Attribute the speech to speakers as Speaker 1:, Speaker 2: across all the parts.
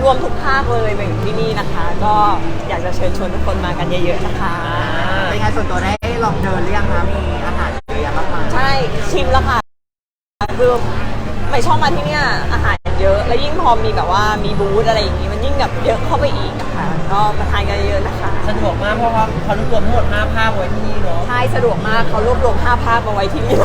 Speaker 1: รวมทุกภาคเลยมาอยู่ที่นี่นะคะ ก็อยากจะเชิญชวนทุกคนมากันเยอะๆนะคะ
Speaker 2: เป็นไงส่วนตัวได้ลองเดินหรือยังคะมีอาหารเยอะแยะมากมาย
Speaker 1: ใช่ชิมแล้วค่ะคือไม่ชอบมาที่เนี่ยอาหารเยอะแล้วยิ่งพอมีแบบว่ามีบูธอะไรอย่างงี้มันยิ่งแบบเยอะเข้าไปอีกอะค่ะก็มาทานกันเยอะนะคะ
Speaker 3: สะดวกมากเพราะว่าเขารวบรวมทั้งหมด5 ภาคไว้ที่นี่เนาะ
Speaker 1: ใช่สะดวกมากเขารวบรวม5 ภาคมาไว้ที่นี่เลย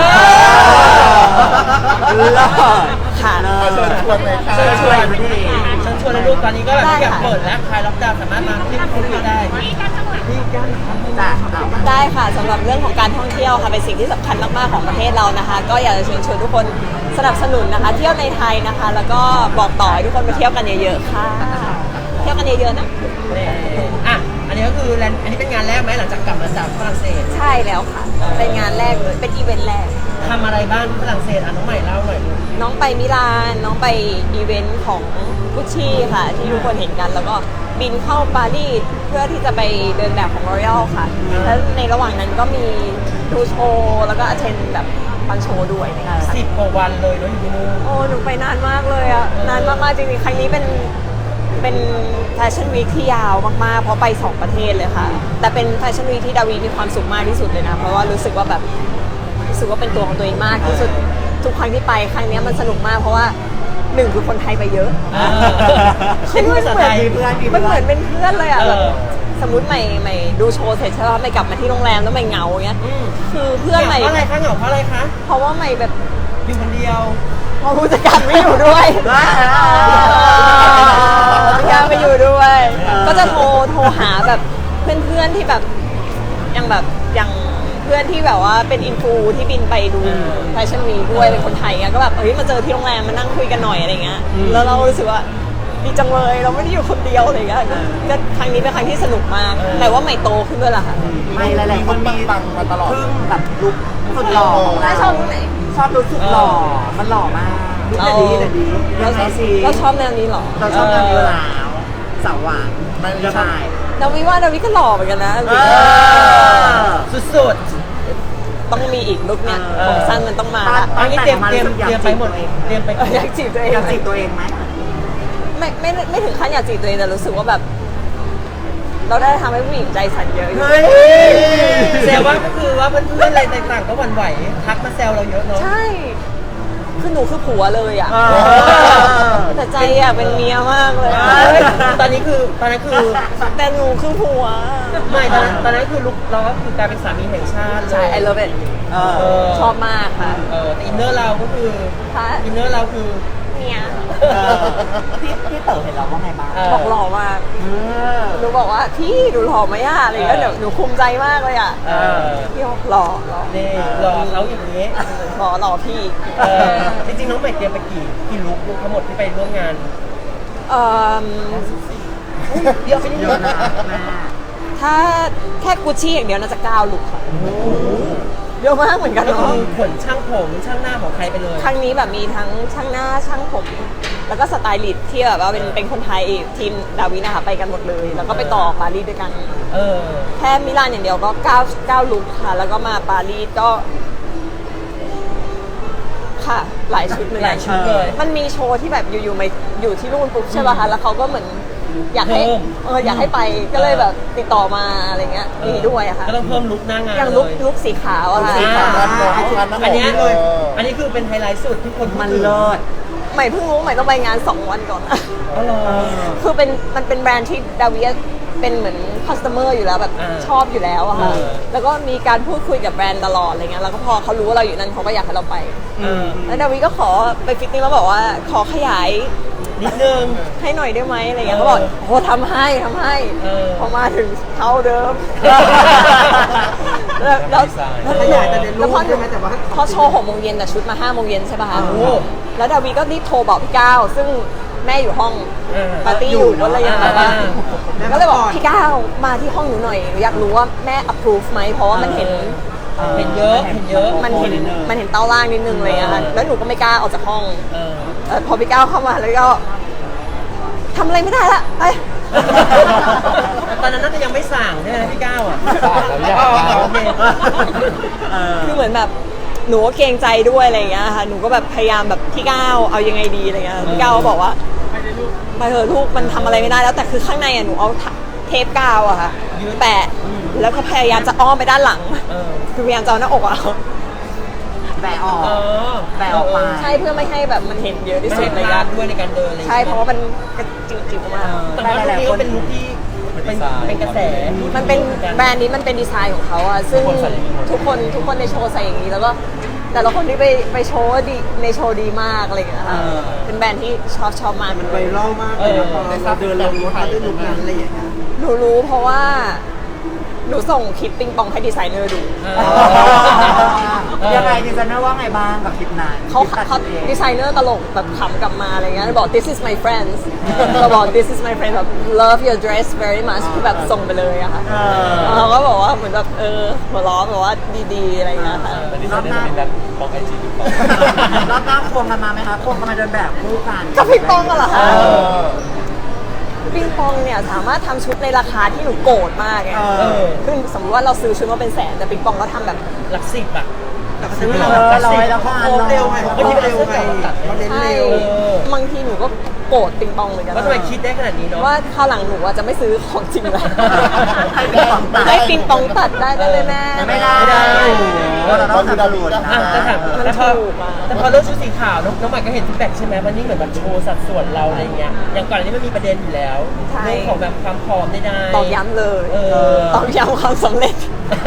Speaker 1: ค่ะ
Speaker 4: เชิญชวนเลยค่ะ
Speaker 3: เชิญชวนเลยลูกตอนนี้ก็แบบทุกอย่างเปิดแล้วคลายล็อกดาวน์สามารถมาที่นี่ได้ที่กัน
Speaker 2: จ้ะ
Speaker 1: ได้ค่ะสำหรับเรื่องของการท่องเที่ยวค่ะเป็นสิ่งที่สำคัญมากๆของประเทศเรานะคะ ก็อยากจะเชิญชวนทุกคนสนับสนุนนะคะเที่ยวในไทยนะคะ แล้วก็บอกต่อให้ทุกคนมาเที่ยวกันเยอะๆค่ะเที่ยวกันเยอะๆนะ
Speaker 3: อ่ะอันนี้ก็คืออันนี้เป็นงานแรกไหมหลังจากกลับมาจากฝรั่งเศส
Speaker 1: ใช่แล้วค่ะเป็นงานแรกเลยเป็นอีเวนต์แรก
Speaker 3: ทำอะไรบ้างที่ฝรั่งเศสน้องใหม่เล่าหน่อย
Speaker 1: น้องไปมิลานน้องไปอีเวนต์ของกุชชี่ค่ะที่ทุกคนเห็นกันแล้วก็บินเข้าปารีสเพื่อที่จะไปเดินแบบของ L'Oreal ค่ะแล้วในระหว่างนั้นก็มีดูโชว์แล้วก็อเทนแบบฟังโชว์ด้วยนะคะ
Speaker 3: 10 กว่าวันเลยเนาะอยู่ที่นู่น
Speaker 1: โอ้หนูไปนานมากเลยอะนานมากๆจริงๆครั้งนี้เป็นแฟชั่นวีคที่ยาวมากๆเพราะไป2 ประเทศเลยค่ะแต่เป็นแฟชั่นวีคที่ดาวีมีความสุขมากที่สุดเลยนะเพราะว่ารู้สึกว่าเป็นตัวของตัวเองมากที่สุดทุกครั้งที่ไปครั้งนี้มันสนุกมากเพราะว่า1คือคนไทยไปเยอะ
Speaker 3: คือมันเห
Speaker 1: มือนเป็นเพื่อนเลยอ่ะสมมติใหม่ดูโชว์เสร็จใช่ไหมใหม่กลับมาที่โรงแรมแล้วใหม่เหงาอย่างเงี้ยคือเพื่อนใหม่
Speaker 3: เพราะอะไรคะเหงาเพราะอะไรคะ
Speaker 1: เพราะว่าใหม่แบบ
Speaker 3: อยู่คนเดียว
Speaker 1: พอผู้จัดการไม่อยู่ด้วยผู้จัดการไม่อยู่ด้วยก็จะโทรหาแบบเพื่อนๆที่แบบอย่างเพื่อนที่แบบว่าเป็นอินฟูที่บินไปดูแฟชั่นวีด้วยเป็นคนไทยอ่ะก็แบบมาเจอที่โรงแรมมานั่งคุยกันหน่อยอะไรเงี้ยแล้วเรารู้สึกว่าดีจังเลยเราไม่ได้อยู่คนเดียวอะไรเงี้ยก็ครั้งนี้เป็นครั้งที่สนุกมากแต่ว่าใหม่โตขึ้นด้วยล่ะค่ะ
Speaker 2: ไม่หลายๆคนมี
Speaker 4: ปังมาตลอด
Speaker 2: แบบลุคสุดหล่อของเรา
Speaker 1: ชอบลุคไหน
Speaker 2: ชอบลุคสุดหล่อมันหล่อมากลุคแต่ดี
Speaker 1: เราชอบแนวนี้หรอ
Speaker 2: เราชอบแนวนี้แล้วสาวหวานใช่
Speaker 1: ดาวิก็หล่อเหมือนกันนะ
Speaker 3: สุด
Speaker 1: ต้องมีอีกลุคเนี่ยผมสั้นมันต้องมา
Speaker 3: อันนี้เตรียมไปหมดเตรียมไป
Speaker 1: อยากจีบตัวเอง
Speaker 2: อยากจีบตัวเองไหม
Speaker 1: ไม่ถึงขั้นอยากจีบตัวเองแต่รู้สึกว่าแบบเราได้ทำให้ผู้หญิงใจสั่นเยอะ
Speaker 3: แซวว่าก็คือว่าเพื่อนๆอะไรต่างๆก็หวั่นไหวทักมาแซวเราเยอะเนาะ
Speaker 1: ใช่คือหนูคือผัวเลยอ่ะแต่ใจอ่ะเป็นเมียมากเลย
Speaker 3: ตอนนั้นคือ
Speaker 1: แต่หนูคือผัว
Speaker 3: ไม่ตอนนั้นคือลุกเราก็คือกลายเป็นสามีแห่งชาติ
Speaker 1: ใช่ I love it ชอบมากค่ะ
Speaker 3: แต่อินเนอร์เราก็คืออินเนอร์เราคือ
Speaker 1: เมีย
Speaker 2: พี่เต๋อเห็นเราว่าไงบ้าง
Speaker 1: บอกหล่อมากหนูบอกว่าพี่ดูหล่อไหมอ่ะอะไรเงี้ยเดี๋ยวหนูภูมิใจมากเลยอ่ะพี่บอกหล่อ
Speaker 3: นี่หล่อเขาอย่างนี้
Speaker 1: หล่อพี่
Speaker 3: จริงๆน้องใหม่เตรียมไปกี่ลุคทั้งหมดที่ไปร่วมงาน
Speaker 1: เยอะไปนิดนึงถ้าแค่กุชชี่อย่างเดียวน่าจะ9 ลุคค่ะเยอะมากเหมือนกันเนาะ
Speaker 3: ขนช่างผมช่างหน้าของใครไปเลย
Speaker 1: ครั้งนี้แบบมีทั้งช่างหน้าช่างผมแล้วก็สไตลิสต์ที่แบบว่าเป็นคนไทยทีมดาวินะคะไปกันหมดเลยแล้วก็ไปต่อปารีสด้วยกันแค่มิลานอย่างเดียวก็9 ลุคค่ะแล้วก็มาปารีสก็ค่ะหลายชุดเลยมันมีโชว์ที่แบบอยู่มาอยู่ที่นู่นปุ๊บใช่ป่ะคะแล้วเขาก็เหมือนอยากให้ไปก็เลยแบบติดต่อมาอะไรเงี้ยมีด้วยอะค่ะ
Speaker 3: ก็ต้องเพิ่มลุคหน้างาน
Speaker 1: อย่างลุคสีขาวอะค่ะ
Speaker 3: อันนี้คือเป็นไฮไลท์สุดที่คน
Speaker 2: มันเลิศ
Speaker 1: ใหม่เพิ่งรู้ใหม่ต้องไปงาน2 วันก่อนคือมันเป็นแบรนด์ที่ดาวิเป็นเหมือนคัสเตอร์อยู่แล้วแบบชอบอยู่แล้วอะค่ะแล้วก็มีการพูดคุยกับแบรนด์ตลอดอะไรเงี้ยแล้วก็พอเขารู้ว่าเราอยู่นั่นเขาก็อยากให้เราไปแล้วดาวิก็ขอไปฟิตติ้งแล้วบอกว่าขอขยาย
Speaker 3: นิดนึง
Speaker 1: ให้หน่อยได้ไหมอะไรเงี้ยเขาบอกโอ้ทำให้พอมาถึงเท่าเดิมแล้วพอโชว์6 โมงเย็นแต่ชุดมา5 โมงเย็นใช่ป่ะคะแล้วดาวิก็รีบโทรบอกพี่ก้าวซึ่งแม่อยู่ห้องปาร์ตี้อยู่ก็เลยยังแบบว่าก็เลยบอกพี่ก้าวมาที่ห้องหนูหน่อยอยากรู้ว่าแม่ approve ไหมเพราะว่ามันเห็น
Speaker 3: เยอะ
Speaker 1: มันเห็นเต้าล่างนิดนึงเลยอะค่ะแล้วหนูก็ไม่กล้าออกจากห้องพอพี่ก้าวเข้ามาแล้วก็ทำอะไรไม่ได้ละไป
Speaker 3: ตอนนั้นน่าจะยังไม่สั่งใช่ไหมพี่ก้าวอ่ะ
Speaker 1: คือเหมือนแบบหนูก็เกรงใจด้วยอะไรอย่างเงี้ยค่ะหนูก็แบบพยายามแบบพี่ก้าวเอายังไงดีอะไรเงี้ยพี่ก้าวบอกว่าไปเถอะลูกมันทำอะไรไม่ได้แล้วแต่คือข้างในหนูเอาเทปกาวอะค่ะแปะแล้วก็พยายามจะอ้อมไปด้านหลังคือพยายามจะเอาหน้าอกอะ
Speaker 2: แบะออกแบะออกไป
Speaker 1: ใช่เพื่อไม่ให้แบบมันเห็นเยอะที่
Speaker 3: ไม่
Speaker 1: สุด
Speaker 3: เห็น
Speaker 1: เลย
Speaker 3: พลา
Speaker 1: อะ
Speaker 3: ดด้วยในการเดินอะไร
Speaker 1: ใช่เพราะว่ามันกระจิ๋วๆมาก
Speaker 3: แต่ว่าลุคนี้ก็เป็นลุคที่เป็นกระแส
Speaker 1: มันเป็นแบรนด์นี้มันเป็นดีไซน์ของเขาอะซึ่งทุกคนในโชว์ใส่อย่างนี้แล้วก็แต่ละคนที่ไปโชว์ดีในโชว์ดีมากอะไรอย่างเงี้ยค่ะเป็นแบรนด์ที่ชอบมาก
Speaker 2: ไวรัลมากเลยนะพอเราเดินลงรถมาด้วยลุคนั้นอะไรอย่างเงี้ย
Speaker 1: หนูรู้เพราะว่าหนูส่งคลิปปิงปองให้ดีไซเนอร์ดู
Speaker 2: ยังไงดีไซเนอร์ว่าไงบ้างกับคลิปนั้น
Speaker 1: เขาดีไซเนอร์ตลกแบบขำกลับมาอะไรเงี้ยบอก this is my friends เราบอก this is my friend แบบ love your dress very much คือแบบส่งไปเลยอะค่ะเราก็บอกว่าเหมือนแบบหัวล้อแบบว่าดีๆอะไรเงี้ยค่ะ
Speaker 4: รอบหน้าบอกไอจีดูก่อน
Speaker 2: รอบหน้าควงกันมาไหมคะควงกันมาเดินแบบคู่กัน
Speaker 1: ก็ปิงปองกันเหรอคะปิงปองเนี่ยสามารถทำชุดในราคาที่หนูโกรธมากไงคือสมมติว่าเราซื้อชุดมาเป็นแสนแต่ปิงปองก็ทำแบบ
Speaker 3: หลักสิบอะ
Speaker 2: ซื้อเราร้อยแล้วก็อันเร็วไงเขาเร็วไงเขาเน้น
Speaker 1: ใช่
Speaker 2: เร็ว
Speaker 1: บางทีหนูก็โกรธปิงปองเหมือนกัน
Speaker 3: ว่าทำไมคิดได้ขนาดนี้เนาะ
Speaker 1: ว่าคราวหลังหนูจะไม่ซื้อของจริงแล้ว
Speaker 2: ให้ปิงปองตัด
Speaker 1: ให้ปิงปองตัดได้ไหมแม่
Speaker 2: ไม่ได้เราต้องทำดูนะ
Speaker 3: แต่ถาม
Speaker 1: มัน
Speaker 3: แต่พอ
Speaker 1: ถูกอะ
Speaker 3: แต่พอเรื่องชุดสีขาวน้องใหม่ก็เห็นฟีดแบ็กใช่ไหมวันนี้เหมือนแบบโชว์สัดส่วนเราอะไรเงี้ยอย่างก่อนอันนี้มันมีประเด็นอยู่แล้วเรื่องของแบบความผอมได้
Speaker 1: ตอกย้ำเลย ตอกย้ำความสำเร็จ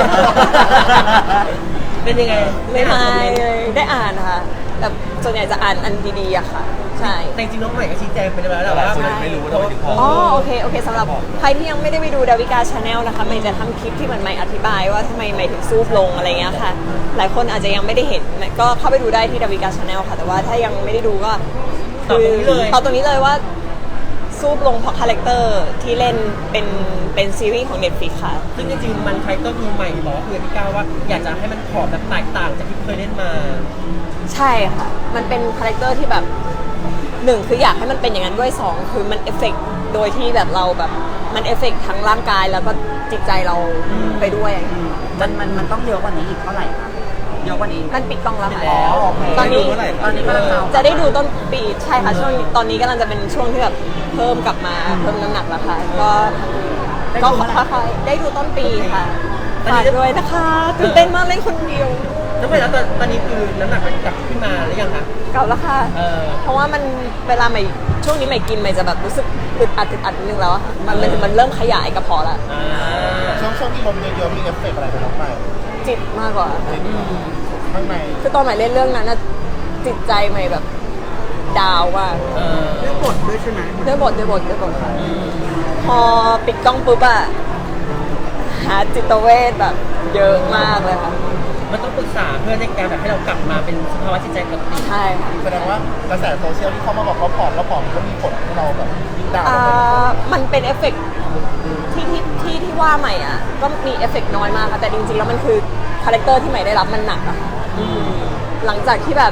Speaker 3: เป็นยังไง
Speaker 1: ไม่เลยได้อ่านค่ะแต่ส่วนใหญ่จะอ่านอันดีๆอะค่ะ ใช่
Speaker 3: แต่จริงๆน้องใหม่ก็ชี้แจงไปแล้วแหละว่า
Speaker 4: ไม่รู้ว่าทำไมถึงผอม
Speaker 1: อ๋อโอเคสำหรับใครที่ยังไม่ได้ไปดูดาวิกาชาแนลนะคะใหม่จะทำคลิปที่เหมือนใหม่อธิบายว่าทำไมใหม่ถึงซูบลงอะไรเงี้ยค่ะ หลายคนอาจจะยังไม่ได้เห็นก็เข้าไปดูได้ที่ดาวิกาชาแนลค่ะ แต่ว่าถ้ายังไม่ได้ดูก็ตอบตรงนี้เลยว่าซูบลงเพราะคาแรคเตอร์ที่เล่นเป็นซีรีส์ของ Netflix ค่ะ
Speaker 3: ซึ่งจริงๆมันใครก็ดูใหม่บอกว่าคุยกับพี่ก้าวว่าอยากจะให้มันผอมแบบแตกต่างจากที่เคยเล่นมา
Speaker 1: ใช่ค่ะ มันเป็นคาแรคเตอร์ที่แบบหนึ่งคืออยากให้มันเป็นอย่างนั้นด้วยสองคือมันเอฟเฟกต์โดยที่แบบเราแบบมันเอฟเฟกต์ทั้งร่างกายแล้วก็จิตใจเราไปด้วยอย่างเงี้ย
Speaker 2: มันต้องเยอะกว่านี้อีกเท่าไหร่ครับเยอะกว่านี้
Speaker 1: มันปิดกล้องแล้วค่ะ
Speaker 2: อ๋อโอเค
Speaker 1: ตอนนี้
Speaker 2: ตอนนี้กำลังเอา
Speaker 1: จะได้ดูต้นปีใช่ค่ะช่วงนี้ตอนนี้กำลังจะเป็นช่วงที่แบบเพิ่มกลับมาเพิ่มน้ำหนักแล้วค่ะก็ค่อยๆได้ดูต้นปีค่ะฝากด้วยนะคะตื่นเต้นมากเล่นคนเดียว
Speaker 3: น้องใหม่แล้วตอนนี้คือน้ำหนักมันกลับขึ้นมาหรือยังคะ
Speaker 1: เก่าแล้วค่ะ เพราะว่ามันเวลาใหม่ช่วงนี้ใหม่กินใหม่จะแบบรู้สึกอึดอัดนิดนึงแล้วอะค่ะมันเริ่มขยายกระเพาะละ
Speaker 4: ช่วงที่ลมเยอะๆมีเอฟเฟกต์อะไรไปน้องใหม่
Speaker 1: จิตมากกว่า
Speaker 4: ข้างใน
Speaker 1: คือตอนใหม่เล่นเรื่องนั้นน่ะจิตใจใหม่แบบดาวมาก
Speaker 2: เรื่องบทด้วยใช่ไหม
Speaker 1: ด้วยบทค่ะพอปิดกล้องปุ๊บอะหาจิตเวชแบบเยอะมากเลยค่ะ
Speaker 3: มันต้องปรึกษาเพื่อในการแบบให้เรากลับมาเป็นสภาวะจิตใจปกติ
Speaker 1: ใช่ค่ะ
Speaker 4: แสดงว่ากระแสโซเชียลที่เขามาบอกเขาผอมแล้วผอมก็มีผลให้เราแบบยิ่งดาว
Speaker 1: มันเป็นเอฟเฟกต์ที่ว่าใหม่อ่ะก็มีเอฟเฟกต์น้อยมากค่ะแต่จริงๆแล้วมันคือคาแรคเตอร์ที่ใหม่ได้รับมันหนักอะค่ะหลังจากที่แบบ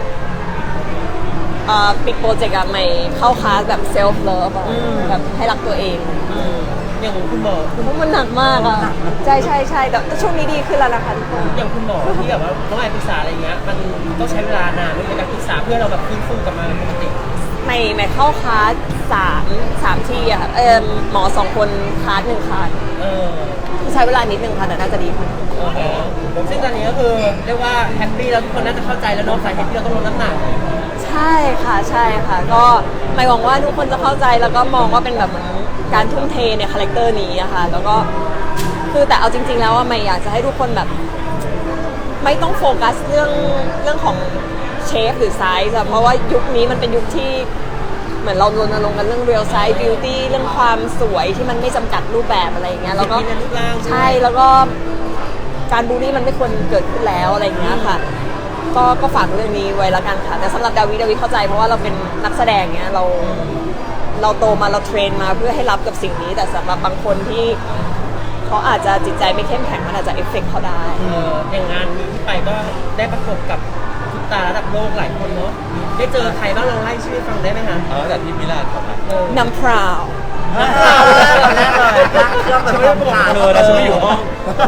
Speaker 1: ปิดโปรเจกต์อะใหม่เข้าคลาสแบบเซลฟ์เลิฟแบบให้รักตัวเอง
Speaker 3: อย่างคุณหมอ
Speaker 1: เพราะมันหนักมากอะใช่แต่ช่วงนี้ดีขึ้นแล้วนะคะทุกคน
Speaker 3: อย่างคุณหมอที่แบบว่าน้องใหม่ปรึกษาอะไรเงี้ยมันต้องใช้เวลานานในการปรึกษาเพื่อเราแบบฟื้นฟูกลับมาเป็นปกติ
Speaker 1: ใหม่เข้าคลาสสามที่อะค่ะหมอ2 คนคลาส1 คลาสใช้เวลานิดนึงค่ะแต่น่าจะดีขึ้น
Speaker 3: ซึ่งตอนนี้ก็คือเรียกว่าแฮปปี้แล้วทุกคนน่าจะเข้าใจแล้วเนาะสาเหตุที่เราต้องลดน้ำหนัก
Speaker 1: ใช่ค่ะก็หมายหวังว่าทุกคนจะเข้าใจแล้วก็มองว่าเป็นแบบเหมือนการทุ่มเทในคาแรคเตอร์นี้อะค่ะแล้วก็คือแต่เอาจริงๆแล้วว่าไม่อยากจะให้ทุกคนแบบไม่ต้องโฟกัสเรื่องของเชฟหรือไซส์อะเพราะว่ายุคนี้มันเป็นยุคที่เหมือนเรารณรงค์กันเรื่อง real size beauty เรื่องความสวยที่มันไม่จำกัดรูปแบบอะไรอย่างเงี้ยแล้วก็ใช่แล้วก็การบูลลี่มันไม่ควรเกิดขึ้นแล้วอะไรอย่างเงี้ยค่ะก็ฝากเรื่องนี้ไว้ละกันค่ะแต่สำหรับดาวิเข้าใจเพราะว่าเราเป็นนักแสดงเงี้ยเราโตมาเราเทรนมาเพื่อให้รับกับสิ่งนี้แต่สำหรับบางคนที่เขาอาจจะจิตใจไม่เข้มแข็งมันอาจจะเอฟเฟกต์เขาได้
Speaker 3: อย่างงานนี้ที่ไปก็ได้ประกบกับซุปตาระดับโลกหลายคนเนาะได้เจอใครบ้างลองไล่ชื่อให้ฟังได้ไหมคะ
Speaker 4: แต่ที่มิลานครับ
Speaker 1: น้ำพราว
Speaker 2: แรกเลยเครื่องแบบผ่าน
Speaker 4: นะช่วยอยู่ห้อง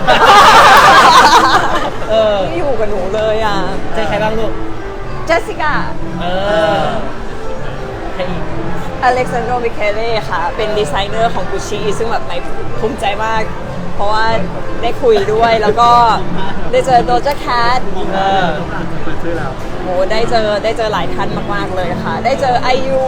Speaker 1: ไม่อยู่กับหนูเลยอ่ะ
Speaker 3: เจอใครบ้างลูก
Speaker 1: เจสสิก้า
Speaker 3: เรอีก
Speaker 1: อเล็กซานโดมิเคเล่ค่ะเป็นดีไซเนอร์ของ Gucci ซึ่งแบบไม่ภูมิใจมาก เพราะว่าได้คุยด้วยแล้วก็ได้เจอโดจาแคท โหได้เจอหลายท่านมากๆเลยค่ะ ได้เจอไอยู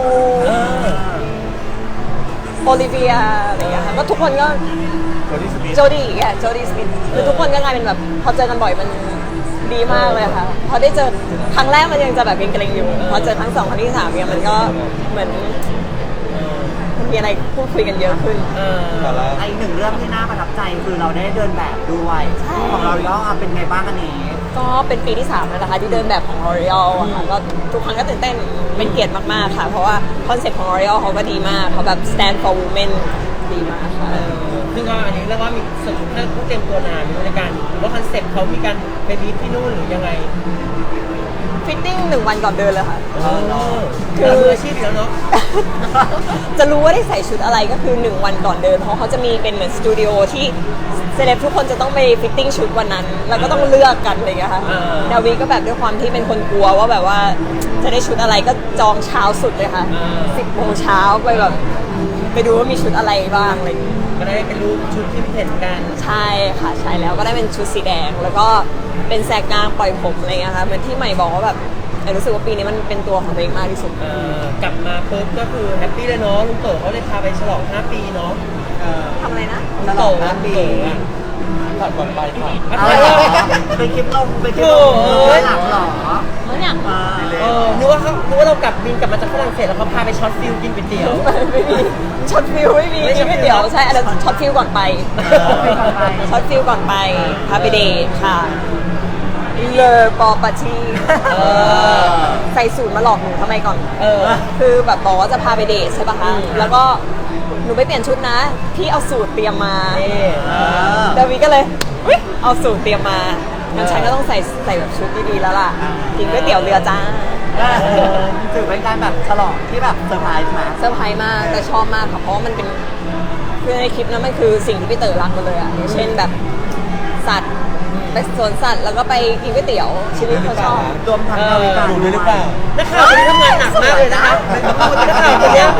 Speaker 1: โอลิเวียอะไรอย่างเงี้ยค่ะก็ทุกคนก็โจดี้สมิธคือทุกคนก็กลายเป็นแบบพอเจอกันบ่อยมันดีมากเลยค่ะพอได้เจอครั้งแรกมันยังจะแบบเกรงๆอยู่พอเจอครั้งสองครั้งที่สามเนี่ยมันก็เหมือนมีอะไรพูดคุยกันเยอะขึ้น
Speaker 2: อีกหนึ่งเรื่องที่น่าประทับใจคือเราได้เดินแบบด้วยของเราย่อเป็นไงบ้างอันนี้
Speaker 1: ก็เป็นปีที่3แล้วนะคะที่เดินแบบของ L'Oreal อะค่ะก็ทุกครั้งก็ตื่นเต้นเป็นเกียรติมากๆค่ะเพราะว่าคอนเซ็ปต์ของ L'Oreal เขาก็ดีมากเขาแบบ stand for women ดีมากค่ะ
Speaker 3: ซึ่งก็อันนี้เรียกว่ามีสมมติถ้าต้องเตรียมตัวนานในการหรือว่าคอนเซ็ปต์เขามีการไปบีบที่นู่นหรือยังไง
Speaker 1: ฟิตติ้ง1 วันก่อนเดินเลยค่ะ
Speaker 3: คือมืออาชีพอยู่แล้วเนาะ
Speaker 1: จะรู้ว่าได้ใส่ชุดอะไรก็คือ 1 วันก่อนเดินเพราะเขาจะมีเป็นเหมือนสตูดิโอที่เซเลบทุกคนจะต้องไปฟิตติ้งชุดวันนั้น แล้วก็ต้องเลือกกันอะไรอย่างเงี้ยค่ะดาวีก็แบบด้วยความที่เป็นคนกลัวว่าแบบว่าจะได้ชุดอะไรก็จองเช้าสุดเลยค่ะ 10 โมงเช้าไปแบบไปดูว่ามีชุดอะไรบ้างอะไรอย่างเงี้ย
Speaker 3: ก็ได้เป็นรูปชุดที่เห็นกัน
Speaker 1: ใช่ค่ะใช่แล้วก็ได้เป็นชุดสีแดง แล้วก็เป็นแสกกลางปล่อยผมอะไรเงี้ยค่ะเหมือนที่ใหม่บอกว่าแบบรู้สึกว่าปีนี้มันเป็นตัวของตัวเองมากที่สุด
Speaker 3: กลับมาปุ๊บก็คือแฮปปี้เลยเนาะลุงเต๋อเขาเลยพาไปฉลอง 5 ปีเนาะ
Speaker 1: ทำอะไรนะ
Speaker 3: ลุงเต๋อ
Speaker 2: 5 ปี
Speaker 4: ผ่านก่อนไปผ่าน
Speaker 2: เอาเหรอไปคลิปลงหลังเหรอ
Speaker 1: แล้วเนี่ย
Speaker 3: นึกว่าเรากลับบินกลับมาจากฝรั่งเศสแล้วเขาพาไปช็อตฟิลกินก๋วยเตี๋ยว
Speaker 1: ไม่มีช็อตฟิลไม่มี
Speaker 3: ไม่ช็อตฟิล
Speaker 1: เดี๋ยวใช่อันนั้นช็อตฟิลก่อนไปช็อตฟิลก่อนไปพาไปเดทค่ะเลอปอปาชีใส่สูตรมาหลอกหนูทำไมก่อน คือแบบบอกว่าจะพาไปเดทใช่ปะคะแล้วก็หนูไปเปลี่ยนชุดนะ พี่เอาสูตรเตรียมมาดาวีก็เลยอุ๊ยเอาสูตรเตรียมมางั้นฉันก็ต้องใส่แบบชุดดีๆแล้วล่ะกินก๋วยเตี๋ยวเรือจ้า
Speaker 2: ถือเป็นการแบบฉลองที่แบบเซอร์ไพรส์ไหม
Speaker 1: เซอร์ไพรส์มากแต่ชอบมากค่ะเพราะว่ามันเป็นคือในคลิปนั้นมันคือสิ่งที่พี่เต๋อรักมาเลยอ่ะอย่างเช่นแบบสัตว์ไปสวนสัตว์แล้วก็ไปกินก๋วยเตี๋ยวชีวิตเขาชอบ
Speaker 2: รวมทั้งนาวิกา
Speaker 4: ดูด้วยหรือเปล่า
Speaker 3: นักข่าวคนนี้ทำงานหนักมากเลยนะคะนักข่าวคนเนี้ย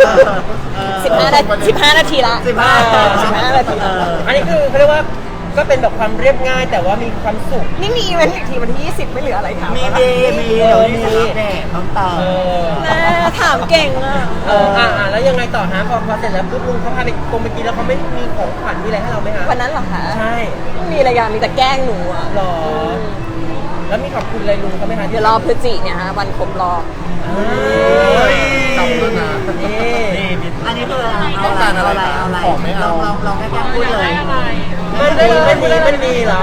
Speaker 1: 15 นาทีละ 15 นาทีละ
Speaker 3: อันนี้คือเขาเรียกว่าก็เป็นแบบความเรียบง่ายแต่ว่ามีความสุข
Speaker 1: นี่มีอีเวนต์อีกทีวันที่ 20 ไม่เหลืออะไรค่ะ
Speaker 2: มีเดี๋ยวนี้จะอัปเดตต้องเติม
Speaker 1: ถามเก่งอ่ะ
Speaker 3: แล้วยังไงต่อฮะพอเสร็จแล้วปุ๊บลุงเขาพาไปกรมเมื่อกี้แล้วเขาไม่มีของขวัญมีอะไรให้เราไหมฮะ
Speaker 1: วันนั้นเหรอคะ
Speaker 3: ใช่
Speaker 1: ไม่มีอะไรอย่างมีแต่แกล้งหนูอ่ะ
Speaker 3: หรอแล้วมีขอบคุณอะไรลุงเขาไหมคะ
Speaker 1: เดี๋ยวรอพฤศจิเนี่ยฮะวันครบรอบ
Speaker 4: จำด้วยนะ
Speaker 3: นี่
Speaker 2: อันนี้คืออะไรลองแค่พูดเลย
Speaker 3: มันดีเหรอ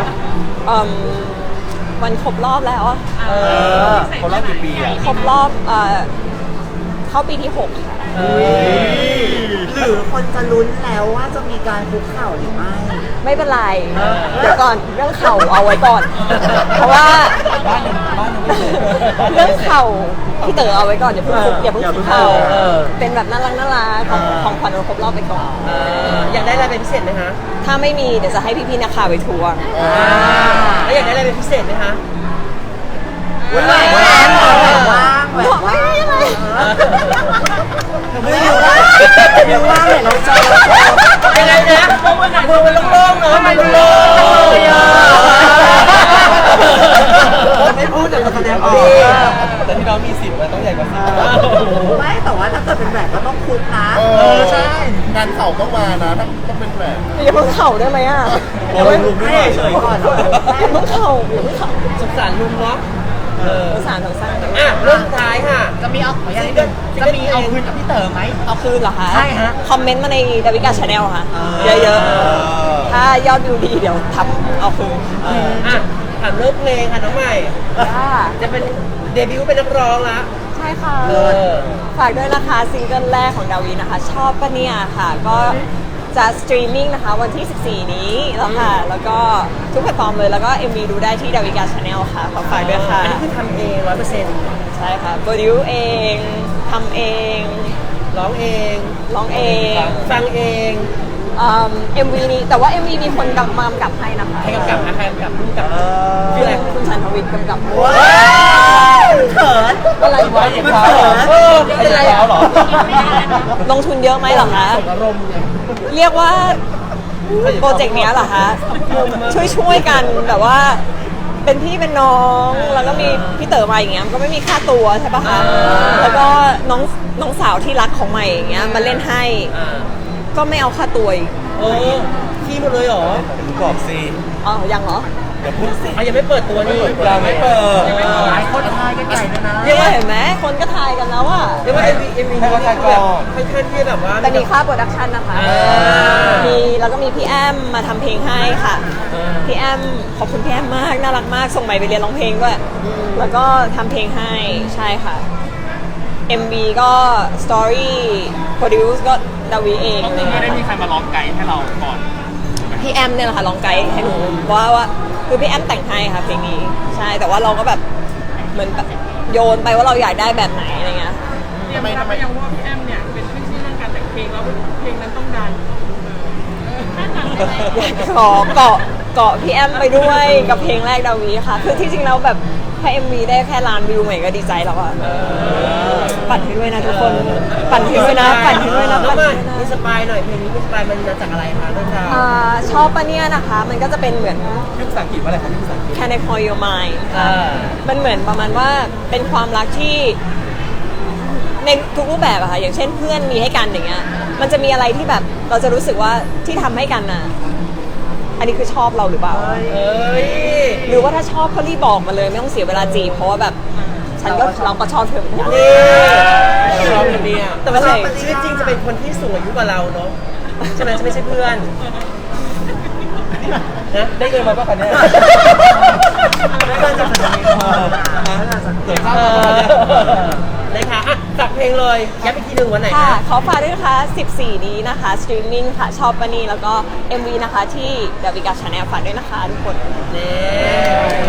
Speaker 1: วันครบรอบแล้วอะ
Speaker 4: คนรอบกี่ปีอ่ะ
Speaker 1: ครบรอบเข้าปีที่ 6 ค่ะ
Speaker 2: หรือคนจะลุ้นแล้วว่าจะมีการคุกเข่าหรือไม่
Speaker 1: ไม่เป็นไรเดี๋ยวก่อนเรื่องเข่าเอาไว้ก่อน เพราะว่าเรื่องเข่าพี่เต๋อเอาไว้ก่อนอย่าเพิ่งคุกเข่าเป็นแบบน่ารักของขวัญวันครบรอบไปก่อน
Speaker 3: อยากได้อะไรเป็นพิเศษไหมคะ
Speaker 1: ถ้าไม่มีเดี๋ยวจะให้พี่ๆนักข่าวไปทัวร์
Speaker 3: แล้วอยากได้อะไรเป็นพิเศษไหมคะ
Speaker 2: ว่าง
Speaker 1: บอกไม่ได้เลย
Speaker 2: ไม่รู้ว่าเห็นเราเจอ
Speaker 3: ยังไงนะมือมันโล่งๆเนาะมันโล่งๆเลยอ่ะ
Speaker 2: ไม่พูดแต่แสดงออก
Speaker 4: แต่ที่น้องมีสิทธิ์มันต้องใหญ่กว่าสิบ
Speaker 2: ไม่แต่ว่าถ้าเกิดเป็นแบบก็ต้องคุกนะ
Speaker 4: ใช่ งานเข่าต้องมานะต้องเป็นแบบ
Speaker 1: อย่าเพิ่งเข่าได้ไหมอ่ะ
Speaker 4: โอ้ยลุงด้วย
Speaker 2: เฉยก่อน
Speaker 1: อย่าเพิ่งเข่าอย่าเพิ่งเข่า
Speaker 3: สงสารลุงเนาะ
Speaker 1: สงสารสงสาร
Speaker 3: เรื่องสุดท้ายค่ะ
Speaker 2: จะมีเอาคืนกับพี่เต๋อไหม
Speaker 1: เอาคืนเหรอคะ
Speaker 2: ใช่ฮะ
Speaker 1: คอมเมนต์มาในดาวิกาชาแนลค่ะ เยอะๆ ถ้ายอดวิวดีเดี๋ยวทำเอาคืน
Speaker 3: ถามเรื่องเพลงค่ะน้องใหม่
Speaker 1: ค่ะ
Speaker 3: จะเป็นเดบิวต์เป็นนักร้องละ
Speaker 1: ใช่ค่ะ
Speaker 3: เออ
Speaker 1: ฝากด้วยนะคะซิงเกิลแรกของดาวีนะคะ ชอบปะเนี่ยค่ะ ก็จะสตรีมมิ่งนะคะวันที่ 14 นี้แล้วค่ะ แล้วก็ทุกแพลตฟอร์มเลย แล้วก็ MV ดูได้ที่ดาวิกาชาแนลค่ะ ขอฝากด้วยค่ะ
Speaker 3: อันนี้คือทำเอง100%
Speaker 1: ใช่ค่ะโปรดิวเองทำเอง
Speaker 3: ร้องเอง
Speaker 1: ร้องเอง
Speaker 3: ฟังเอง
Speaker 1: MV นี้แต่ว่า MV มีคนกำกับให้นะคะ
Speaker 3: ใครกำกับนะใครกำกับพุ่งกับ
Speaker 1: ชื่ออะไรคุณชันทวิทย์กำกับ
Speaker 2: ว้าวเขิน
Speaker 1: อะไรวะ
Speaker 2: มันเขิน
Speaker 3: เป็นไรแล้วเหรอ
Speaker 1: ลงทุนเยอะไหมเหรอคะ
Speaker 3: ส่งอารมณ์เนี่ย
Speaker 1: เรียกว่าโปรเจกต์เนี้ยเหรอคะช่วยกันแบบว่าเป็นพี่เป็นน้องแล้วก็มีพี่เต๋อมาอย่างเงี้ยมันก็ไม่มีค่าตัวใช่ปะคะแล้วก็น้องสาวที่รักของใหม่อย่างเงี้ยมาเล่นให้
Speaker 3: อ่า
Speaker 1: ก็ไม่เอาค่าตัวอีก
Speaker 3: โอ้ขี้หมดเลยเหรอ
Speaker 4: บอกสิ
Speaker 1: อ๋อยังเหรอ
Speaker 4: อย่าพูดสิ
Speaker 3: อ่ะยังไม่เปิดตัวนี่
Speaker 4: ยังไม่เปิด
Speaker 2: หลายคนทายกันใหญ่เลยนะ
Speaker 1: เรียกว่าเห็นไหมคนก็ทายกันแล้วอะ
Speaker 3: เรียกว่า MV
Speaker 4: ให้เขาทายก่อน
Speaker 3: ค่อนข้างที่แบบว่า
Speaker 1: แต่มีค่าโปรดักชันนะคะ
Speaker 3: อ่า
Speaker 1: มีแล้วก็มีพี่แอมมาทำเพลงให้ค่ะ
Speaker 3: อ่า
Speaker 1: พี่แอมขอบคุณพี่แอมมากน่ารักมากส่งใหม่ไปเรียนร้องเพลงด้วยแล้วก็ทำเพลงให้ใช่ค่ะ MV ก็ Story Produce ก็ดาวีเองอะไร
Speaker 5: ไม่
Speaker 1: เงี้
Speaker 5: ได้
Speaker 1: ย
Speaker 5: มีใครมาร้องไกด์ให้เราก่อน
Speaker 1: พี่แอมเนี่ยแหละค่ะร้องไกด์ให้หนูว่าคือพี่แอมแต่งให้ค่ะเพลงนี้ใช่แต่ว่าเราก็แบบเหมือนแบบโยนไปว่าเราอยากได้แบบไหนอะไรเงี้ย
Speaker 5: เตรียมรับไปยังว่าพี่แอมเนี่ยเป็นขึ้นชื่อเรื่องการแต่งเพลงแล้วเพลงนั้นต้องดัง
Speaker 1: ขอเกาะพี่แอมไปด้วยกับเพลงแรกดาวีค่ะ คือที่จริงแล้วแบบแค่ MV ได้แค่ล้านวิวใหม่ก็ดีใจแล้วอะปั่นให้ด้วยนะทุกคน ปั่นให้ด้วยนะปั่นให้ด้วยนะ
Speaker 3: น้อ
Speaker 1: ปั่
Speaker 3: ง
Speaker 1: น
Speaker 3: ใหม่
Speaker 1: ให้ด้วย
Speaker 3: มี
Speaker 1: นะ
Speaker 3: สปายหน่อยเพลงนี้มีสปายมันมาจากอะไรคะเรื่องราว
Speaker 1: ชอบปะเนี่ยนะคะ มันก็จะเป็นเหมือน
Speaker 4: ยุคภาษาอังกฤษว่าอะไรครับยุคภาษาอังกฤษ
Speaker 1: Can I Call Your Mind
Speaker 3: อ่า
Speaker 1: มันเหมือนประมาณว่าเป็นความรักที่ในทุกรูปแบบอะค่ะอย่างเช่นเพื่อนมีให้กันอย่างเงี้ยมันจะมีอะไรที่แบบเราจะรู้สึกว่าที่ทำให้กันน่ะอันนี้คือชอบเราหรือเปล่า
Speaker 3: เอ้ย
Speaker 1: หรือว่าถ้าชอบก็รีบบอกมาเลยไม่ต้องเสียเวลาจีบเพราะว่าแบบเราก็ชอบเธอเหมือนกัน
Speaker 3: นี่ชอบคนเนี้ยแต่ว่าชีวิตจริงจะเป็นคนที่สูงอายุกว่าเราเนาะใช่ไหมจะไม่ใช่เพื่อนนะได้เงินมาป่ะคะเนี่ย
Speaker 2: ไม่เกินจากสัญญาณ
Speaker 4: เกิดข้าว
Speaker 3: นะคะอ่ะฝากเพลงเลยย้ำอีกทีหนึ่งวันไหน
Speaker 1: ค่ะ
Speaker 3: คะ
Speaker 1: ขอฝากด้วยนะคะ 14 นี้นะคะสตรีมมิ่งค่ะชอบปะนี่แล้วก็ MV นะคะที่ The Viga Channel ฝากด้วยนะคะทุกคน
Speaker 3: นี่